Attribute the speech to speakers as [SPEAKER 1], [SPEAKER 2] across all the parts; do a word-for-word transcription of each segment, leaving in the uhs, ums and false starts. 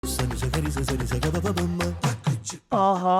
[SPEAKER 1] ಆಹಾ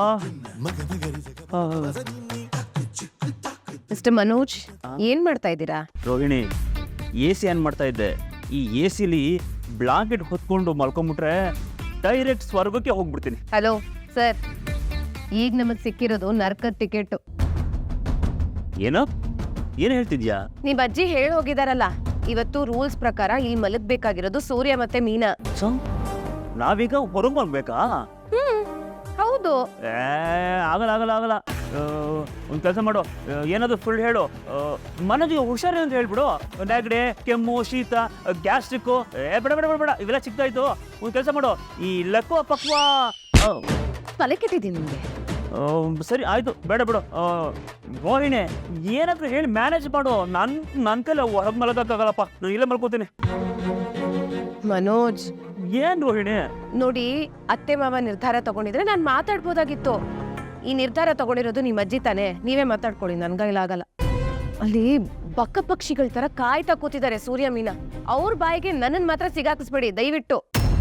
[SPEAKER 2] ಮಿಸ್ಟರ್ ಮನೋಜ್, ಏನ್ ಮಾಡ್ತಾ ಇದ್ದೀರಾ?
[SPEAKER 1] ರೋಹಿಣಿ, ಎ ಸಿ ಆನ್ ಮಾಡ್ತಾ ಇದ್ದೆ. ಈ ಎ ಸಿಲಿ ಬ್ಲಾಂಕೆಟ್ ಹೊತ್ಕೊಂಡು ಮಲ್ಕೊಂಡ್ಬಿಟ್ರೆ ಡೈರೆಕ್ಟ್ ಸ್ವರ್ಗಕ್ಕೆ ಹೋಗ್ಬಿಡ್ತೀನಿ.
[SPEAKER 2] ಹಲೋ ಸರ್, ಈಗ ನಮಗ್ ಸಿಕ್ಕಿರೋದು ನರ್ಕದ ಟಿಕೆಟ್.
[SPEAKER 1] ಏನೋ ಏನು ಹೇಳ್ತಿದ್ಯಾ?
[SPEAKER 2] ನಿಮ್ ಅಜ್ಜಿ ಹೇಳಿ ಹೋಗಿದಾರಲ್ಲ, ಇವತ್ತು ರೂಲ್ಸ್ ಪ್ರಕಾರ ಇಲ್ಲಿ ಮಲಗ್ಬೇಕಾಗಿರೋದು ಸೂರ್ಯ ಮತ್ತೆ ಮೀನಾ.
[SPEAKER 1] ಸೊ ನಾವೀಗ ಹೊರಗೆ ಮಲ್ಬೇಕಾ?
[SPEAKER 2] ಹ್ಮ್ ಹೌದು.
[SPEAKER 1] ಏ ಆಗಲ್ಲ ಆಗಲ್ಲ ಆಗಲ್ಲ. ಒಂದು ಕೆಲಸ ಮಾಡು, ಏನಾದ್ರು ಫುಲ್ ಹೇಳು. ಮನೋಜಿಗೆ ಹುಷಾರಿ ಅಂತ ಹೇಳ್ಬಿಡು. ನೆಗಡಿ, ಕೆಮ್ಮು, ಶೀತ, ಗ್ಯಾಸ್ಟ್ರಿಕ್ಕು, ಏ ಬೇಡ ಬೇಡ ಬೇಡ ಬೇಡ ಇವೆಲ್ಲ ಸಿಗ್ತಾಯಿತ್ತು. ಒಂದು ಕೆಲಸ ಮಾಡು, ಈ ಲಕ್ವ ಪಕ್ವ
[SPEAKER 2] ತಲೆ ಕೆಟ್ಟಿದ್ದೀನಿ ನಿಮಗೆ.
[SPEAKER 1] ಸರಿ ಆಯಿತು, ಬೇಡ ಬಿಡು. ರೋಹಿಣಿ, ಏನಾದರೂ ಹೇಳಿ ಮ್ಯಾನೇಜ್ ಮಾಡು. ನನ್ನ ನನ್ನ ಕೈಲಿ ಹೊರಗೆ ಮಲಗೋಕ್ಕಾಗಲ್ಲಪ್ಪ, ನಾನು ಇಲ್ಲೇ ಮಲ್ಕೋತೀನಿ.
[SPEAKER 2] ಮನೋಜ್,
[SPEAKER 1] ಏನ್ ರೋಹಿಣಿ?
[SPEAKER 2] ನೋಡಿ, ಅತ್ತೆ ಮಾವ ನಿರ್ಧಾರ ತಗೊಂಡಿದ್ರೆ ನಾನು ಮಾತಾಡ್ಬೋದಾಗಿತ್ತು. ಈ ನಿರ್ಧಾರ ತಗೊಂಡಿರೋದು ನಿಮ್ಮ ಅಜ್ಜಿ ತಾನೆ, ನೀವೇ ಮಾತಾಡ್ಕೊಳ್ಳಿ, ನನ್ಗೈಲಾಗಲ್ಲ. ಅಲ್ಲಿ ಬಕ್ಕ ಪಕ್ಷಿಗಳ ತರ ಕಾಯ್ತಾ ಕೂತಿದ್ದಾರೆ ಸೂರ್ಯ ಮೀನಾ. ಅವ್ರ ಬಾಯಿಗೆ ನನ್ನನ್ ಮಾತ್ರ ಸಿಗಾಕಿಸ್ಬೇಡಿ ದಯವಿಟ್ಟು.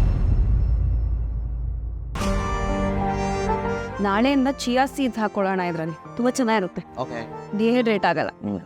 [SPEAKER 3] ನಾಳೆಯಿಂದ ಚಿಯಾ ಸೀಡ್ಸ್ ಹಾಕೊಳ್ಳೋಣ ಇದ್ರಲ್ಲಿ, ತುಂಬಾ ಚೆನ್ನಾಗಿರುತ್ತೆ. ಡಿಹೈಡ್ರೇಟ್ ಆಗಲ್ಲ.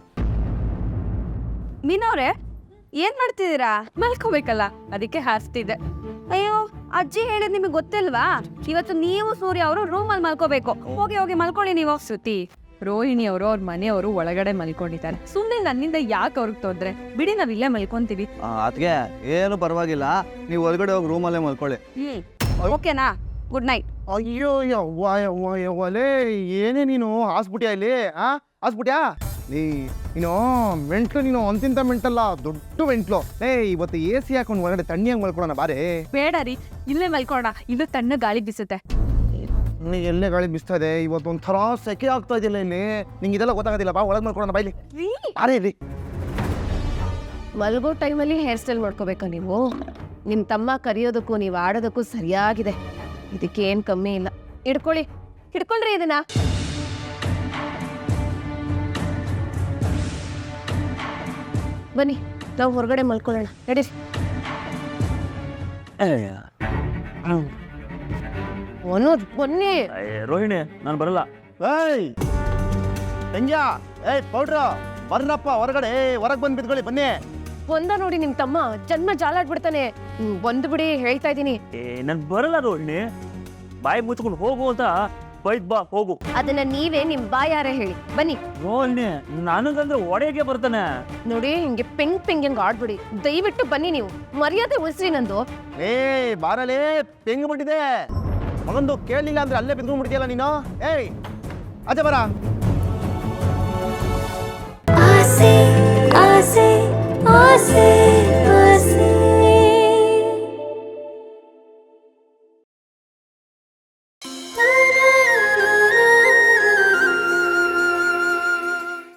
[SPEAKER 3] ಮೀನವ್ರೆ, ಏನ್ ಮಾಡ್ತಿದ್ದೀರಾ? ಮಲ್ಕೋಬೇಕಲ್ಲ, ಅದಕ್ಕೆ ಹಾಸ್ತಿದ್ದೆ. ಅಯ್ಯೋ, ಅಜ್ಜಿ ಹೇಳಿದ್ ನಿಮಗೆ ಗೊತ್ತಿಲ್ವಾ? ಇವತ್ತು ನೀವು ಸೂರ್ಯ ಅವರು ರೂಮ್ ಅಲ್ಲಿ ಮಲ್ಕೋಬೇಕು. ಹೋಗಿ ಹೋಗಿ ಮಲ್ಕೊಳ್ಳಿ ನೀವು. ಶ್ರುತಿ, ರೋಹಿಣಿ ಅವರು ಅವ್ರ ಮನೆಯವರು ಒಳಗಡೆ ಮಲ್ಕೊಂಡಿದ್ದಾರೆ. ಸುಮ್ಮನೆ ನನ್ನಿಂದ ಯಾಕೆ ಅವ್ರಿಗೆ ತೊಂದ್ರೆ? ಬಿಡಿ, ನಾವ್ ಇಲ್ಲೇ ಮಲ್ಕೊಂತೀವಿ.
[SPEAKER 4] ಅದಕ್ಕೆ ಏನು ಪರವಾಗಿಲ್ಲ, ನೀವು ಹೊರಗಡೆ ಹೋಗಿ ರೂಮಲ್ಲೇ ಮಲ್ಕೊಳ್ಳಿ.
[SPEAKER 3] ಹ್ಮ್ ಓಕೆನಾ? Good night.
[SPEAKER 4] ಅಯ್ಯೋ ಯವ್ವ ಯವ್ವ ಯವ್ವಲೇ, ಏನೇ ನೀನು ಹಾಸ್ಬಿಟ್ಯಾ ಇಲ್ಲಿ? ಆ ಹಾಸ್ಬಿಟ್ಯಾ ನೀ? ನೀನು ಮೆಂಟ್ಲು, ನೀನು ಅಂತಿಂತ ಮೆಂಟಲ್ಲ, ದೊಡ್ಡ ಮೆಂಟ್ಲು. ಏ ಇವತ್ತು ಎ ಸಿ ಹಾಕೊಂಡು ಹೊರಗಡೆ ತಣ್ಣಿಯಾಗಿ ಮಲ್ಕೊಳ್ಳೋಣ ಬಾರೇ.
[SPEAKER 3] ಬೇಡ ರೀ, ಇಲ್ಲೇ ಮಲ್ಕೊಳ್ಳೋಣ, ಇದು ತಣ್ಣ ಗಾಳಿ ಬಿಸುತ್ತೆ.
[SPEAKER 4] ನೀ ಎಲ್ಲೇ ಗಾಳಿ ಬಿಸ್ತಾ ಇದೆ, ಇವತ್ತು ಒಂಥರ ಸೆಕೆ ಆಗ್ತಾ ಇದೆಯಲ್ಲ ಇಲ್ಲಿ. ನಿಂಗೆ ಇದೆಲ್ಲ ಗೊತ್ತಾಗೋದಿಲ್ಲ, ಬಾ ಒಳಗೆ ಮಲ್ಕೊಳ್ಳೋಣ ಬಾಯ್ಲಿ. ಅರೇ ರೀ,
[SPEAKER 2] ಮಲ್ಗೋ ಟೈಮಲ್ಲಿ ಹೇರ್ ಸ್ಟೈಲ್ ಮಾಡ್ಕೋಬೇಕಾ ನೀವು? ನಿಮ್ ತಮ್ಮ ಕರೆಯೋದಕ್ಕೂ ನೀವು ಆಡೋದಕ್ಕೂ ಸರಿಯಾಗಿದೆ. ಇದಕ್ಕೆ ಏನ್ ಕಮ್ಮಿ ಇಲ್ಲ. ಹಿಡ್ಕೊಳ್ಳಿ, ಹಿಡ್ಕೊಳ್ರಿ ಇದನ್ನ. ಬನ್ನಿ, ನಾವು ಹೊರಗಡೆ ಮಲ್ಕೊಳ್ಳೋಣ, ನಡೀರಿ. ಮನೋಜ್ ಬನ್ನಿ.
[SPEAKER 1] ರೋಹಿಣಿ, ನಾನು ಬರಲ್ಲ.
[SPEAKER 4] ಏಯ್ ಸಂಜಾ, ಏಯ್ ಪೌಡ್ರ, ಬರ್ರಪ್ಪ ಹೊರಗಡೆ, ಹೊರಗೆ ಬಂದು ಬಿದ್ಕೊಳ್ಳಿ ಬನ್ನಿ.
[SPEAKER 2] ಒಂದ ನೋಡಿ ನಿಮ್ ತಮ್ಮ ಜನ್ಮ ಜಾಲಾಡ್ಬಿಡ್ತಾನೆ. ಬಂದು ಬಿಡಿ, ಹೇಳ್ತಾ ಇದ್ದೀನಿ.
[SPEAKER 1] ಏ ನಾನು ಬರಲ್ಲ ರೋಹಿಣಿ, ಬಾಯಿ ಮುಚ್ಕೊಂಡು ಹೋಗು ಅಂತ ಬೈದ್ ಬಾ, ಹೋಗು.
[SPEAKER 2] ಅದನ್ನ ನೀವೇ ನಿಮ್ ಬಾಯಾರೆ ಹೇಳಿ. ಬನ್ನಿ.
[SPEAKER 1] ರೋಹಿಣಿ, ನನಗಂದ್ರೆ ಒಡೆಗೆ ಬರ್ತಾನೆ.
[SPEAKER 2] ನೋಡಿ, ಹಿಂಗೆ ಪೆಂಗ್ ಪೆಂಗ್ ಹೆಂಗ್ ಆಡ್ಬಿಡಿ, ದಯವಿಟ್ಟು ಬನ್ನಿ. ನೀವು ಮರ್ಯಾದೆ ಉಳಿಸ್ರಿ ನಂದು.
[SPEAKER 4] ಏ ಬಾರಲೇ, ಪೆಂಗ್ ಬಿಟ್ಟಿದೆ ಮಗಂದು. ಕೇಳಲಿಲ್ಲ ಅಂದ್ರೆ ಅಲ್ಲೇ ಬಿದ್ಕೊಂಡ್ಬಿಡ್ತೀಯಲ್ಲ ನೀನು. ಏಯ್ ಅದೇ ಬರ.
[SPEAKER 5] ಆಸೆ ಆಸೆ ಆಸೆ